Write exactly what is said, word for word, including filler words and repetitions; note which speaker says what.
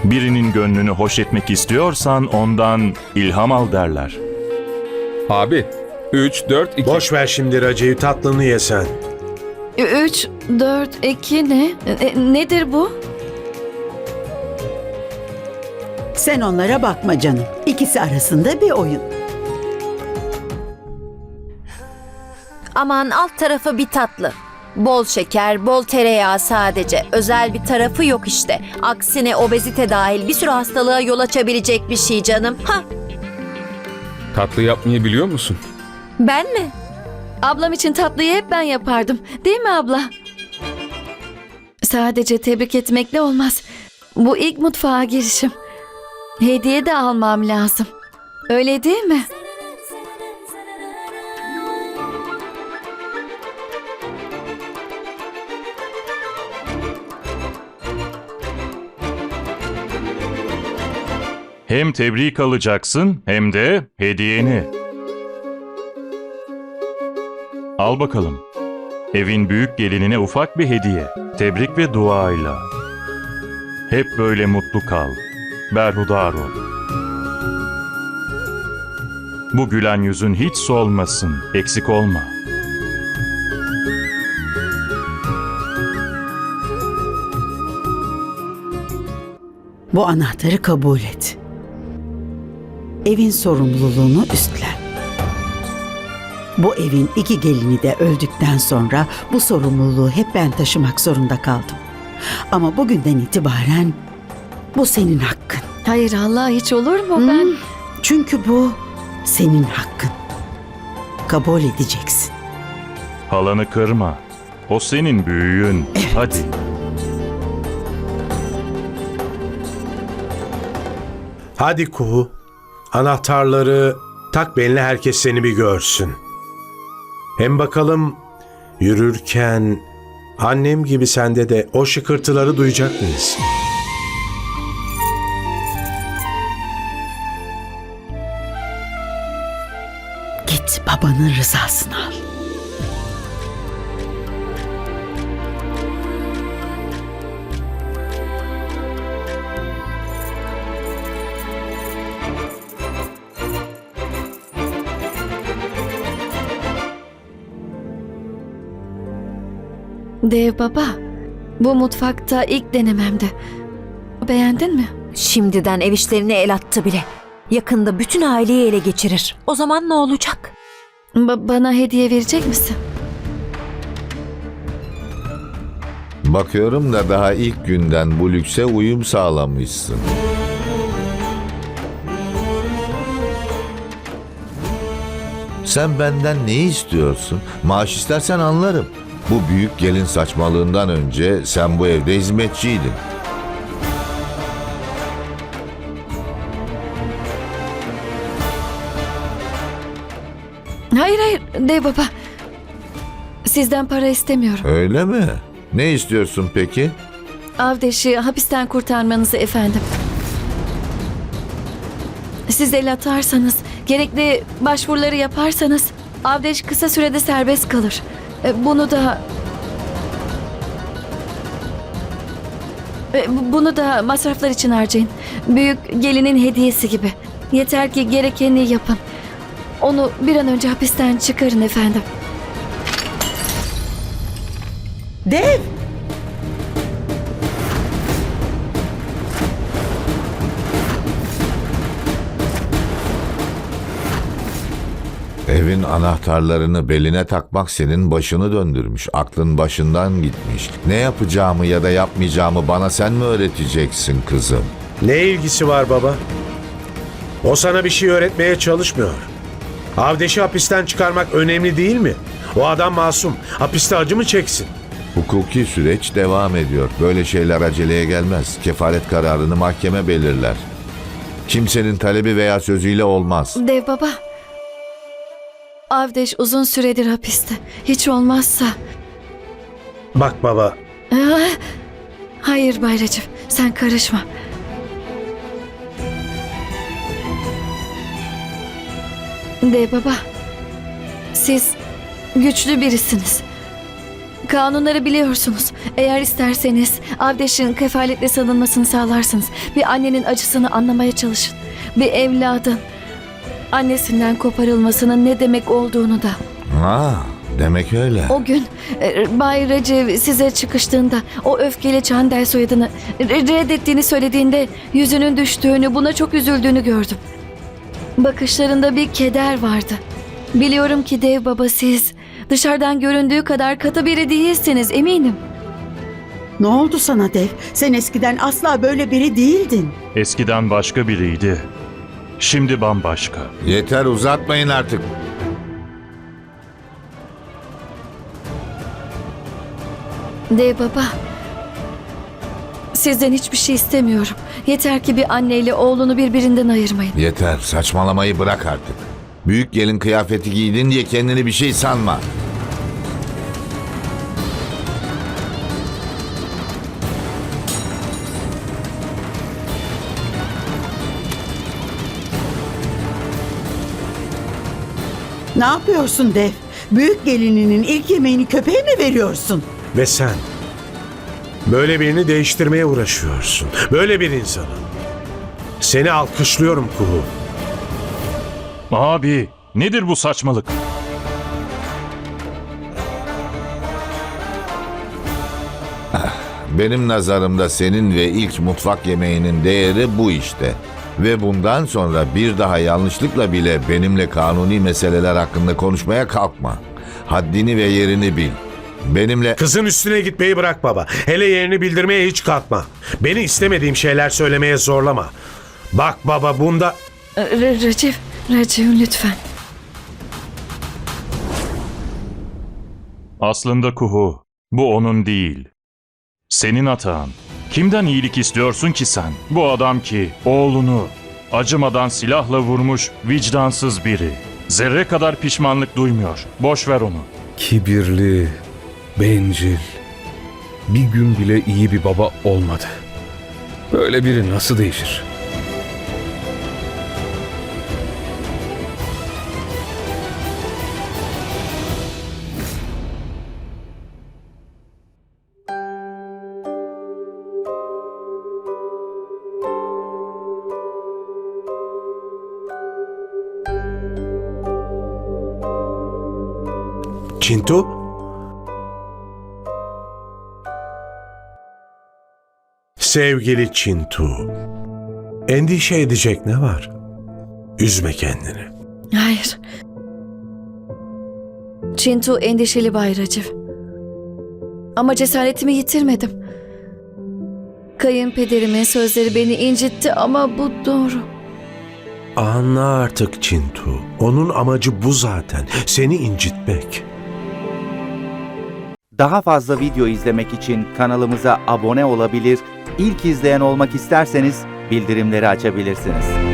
Speaker 1: Birinin gönlünü hoş etmek istiyorsan ondan ilham al derler.
Speaker 2: Abi, üç, dört, iki.
Speaker 3: Boş ver şimdi Raci'yi, tatlını ye sen.
Speaker 4: Üç, dört, iki ne? E, nedir bu?
Speaker 5: Sen onlara bakma canım. İkisi arasında bir oyun.
Speaker 6: Aman alt tarafı bir tatlı. Bol şeker, bol tereyağı sadece. Özel bir tarafı yok işte. Aksine obezite dahil bir sürü hastalığa yol açabilecek bir şey canım. Ha,
Speaker 2: Tatlı yapmayı biliyor musun?
Speaker 6: ben mi?
Speaker 4: Ablam için tatlıyı hep ben yapardım. Değil mi abla? Sadece tebrik etmekle olmaz. Bu ilk mutfağa girişim. Hediye de almam lazım. Öyle değil mi?
Speaker 1: Hem tebrik alacaksın hem de hediyeni. Al bakalım. Evin büyük gelinine ufak bir hediye. Tebrik ve duayla. Hep böyle mutlu kal. Berhudar ol. Bu gülen yüzün hiç solmasın. Eksik olma.
Speaker 5: Bu anahtarı kabul et. Evin sorumluluğunu üstlen. Bu evin iki gelini de öldükten sonra bu sorumluluğu hep ben taşımak zorunda kaldım. Ama bugünden itibaren bu senin hakkın.
Speaker 4: Hayır Allah, hiç olur mu?
Speaker 5: Hmm,
Speaker 4: Ben
Speaker 5: Çünkü bu senin hakkın. Kabul edeceksin.
Speaker 1: Halanı kırma. O senin büyüğün. Hadi.
Speaker 3: Hadi Kuhu, anahtarları tak beline, herkes seni bir görsün. Hem bakalım yürürken annem gibi sende de o şıkırtıları duyacak mıyız?
Speaker 5: Git babanın rızasını al.
Speaker 4: Dev baba, bu mutfakta ilk denememdi. Beğendin mi?
Speaker 6: Şimdiden ev işlerine el attı bile. Yakında bütün aileyi ele geçirir. O zaman ne olacak?
Speaker 4: Ba- bana hediye verecek misin?
Speaker 7: Bakıyorum da daha ilk günden bu lükse uyum sağlamışsın. Sen benden ne istiyorsun? Maaş istersen anlarım. Bu büyük gelin saçmalığından önce sen bu evde hizmetçiydin.
Speaker 4: Hayır hayır dev baba. Sizden para istemiyorum.
Speaker 7: Öyle mi? Ne istiyorsun peki?
Speaker 4: Avdeş'i hapisten kurtarmanızı efendim. Siz el atarsanız, gerekli başvuruları yaparsanız Avdeş kısa sürede serbest kalır. E, Bunu da... E, bu- Bunu da masraflar için harcayın. Büyük gelinin hediyesi gibi. Yeter ki gerekeni yapın. Onu bir an önce hapisten çıkarın efendim.
Speaker 5: Dev!
Speaker 7: Evin anahtarlarını beline takmak senin başını döndürmüş. Aklın başından gitmiş. Ne yapacağımı ya da yapmayacağımı bana sen mi öğreteceksin kızım?
Speaker 3: Ne ilgisi var baba? O sana bir şey öğretmeye çalışmıyor. Avdeş'i hapisten çıkarmak önemli değil mi? O adam masum. Hapiste acı mı çeksin?
Speaker 7: Hukuki süreç devam ediyor. Böyle şeyler aceleye gelmez. Kefalet kararını mahkeme belirler. Kimsenin talebi veya sözüyle olmaz.
Speaker 4: Dev baba. Avdeş uzun süredir hapiste. Hiç olmazsa...
Speaker 3: Bak baba,
Speaker 4: Ah, hayır Bay Recep, sen karışma. De baba, siz güçlü birisiniz. Kanunları biliyorsunuz. Eğer isterseniz Avdeş'in kefaletle salınmasını sağlarsınız. Bir annenin acısını anlamaya çalışın. Bir evladın annesinden koparılmasının ne demek olduğunu da.
Speaker 7: Ha, demek öyle.
Speaker 4: O gün e, Bay Recep size çıkıştığında o öfkeli Çandel soyadını re- reddettiğini söylediğinde yüzünün düştüğünü, buna çok üzüldüğünü gördüm. Bakışlarında bir keder vardı. Biliyorum ki dev baba, siz dışarıdan göründüğü kadar katı biri değilsiniz, eminim.
Speaker 5: Ne oldu sana Dev? Sen eskiden asla böyle biri değildin.
Speaker 1: Eskiden başka biriydi. Şimdi bambaşka.
Speaker 7: Yeter, uzatmayın artık.
Speaker 4: Dev baba, sizden hiçbir şey istemiyorum. Yeter ki bir anneyle oğlunu birbirinden ayırmayın.
Speaker 7: Yeter, saçmalamayı bırak artık. Büyük gelin kıyafeti giydin diye kendini bir şey sanma.
Speaker 5: Ne yapıyorsun Dev? Büyük gelininin ilk yemeğini köpeğe mi veriyorsun?
Speaker 3: Ve sen böyle birini değiştirmeye uğraşıyorsun. Böyle bir insanı. Seni alkışlıyorum Kuhu.
Speaker 1: Abi, nedir bu saçmalık?
Speaker 7: Benim nazarımda senin ve ilk mutfak yemeğinin değeri bu işte. Ve bundan sonra bir daha yanlışlıkla bile benimle kanuni meseleler hakkında konuşmaya kalkma. Haddini ve yerini bil. Benimle...
Speaker 3: Kızın üstüne gitmeyi bırak baba. Hele yerini bildirmeye hiç kalkma. Beni istemediğim şeyler söylemeye zorlama. Bak baba, bunda...
Speaker 4: Re- Recep, Recep lütfen.
Speaker 1: Aslında Kuhu, bu onun değil. Senin hatan. Kimden iyilik istiyorsun ki sen? Bu adam ki oğlunu acımadan silahla vurmuş vicdansız biri. Zerre kadar pişmanlık duymuyor. Boş ver onu.
Speaker 2: Kibirli, bencil. Bir gün bile iyi bir baba olmadı. Böyle biri nasıl değişir?
Speaker 3: Çintu? Sevgili Çintu, endişe edecek ne var? Üzme kendini.
Speaker 4: Hayır. Çintu endişeli Bay Recep. Ama cesaretimi yitirmedim. Kayınpederimin sözleri beni incitti ama bu doğru.
Speaker 3: Anla artık Çintu. Onun amacı bu zaten. Seni incitmek.
Speaker 8: Daha fazla video izlemek için kanalımıza abone olabilir, ilk izleyen olmak isterseniz bildirimleri açabilirsiniz.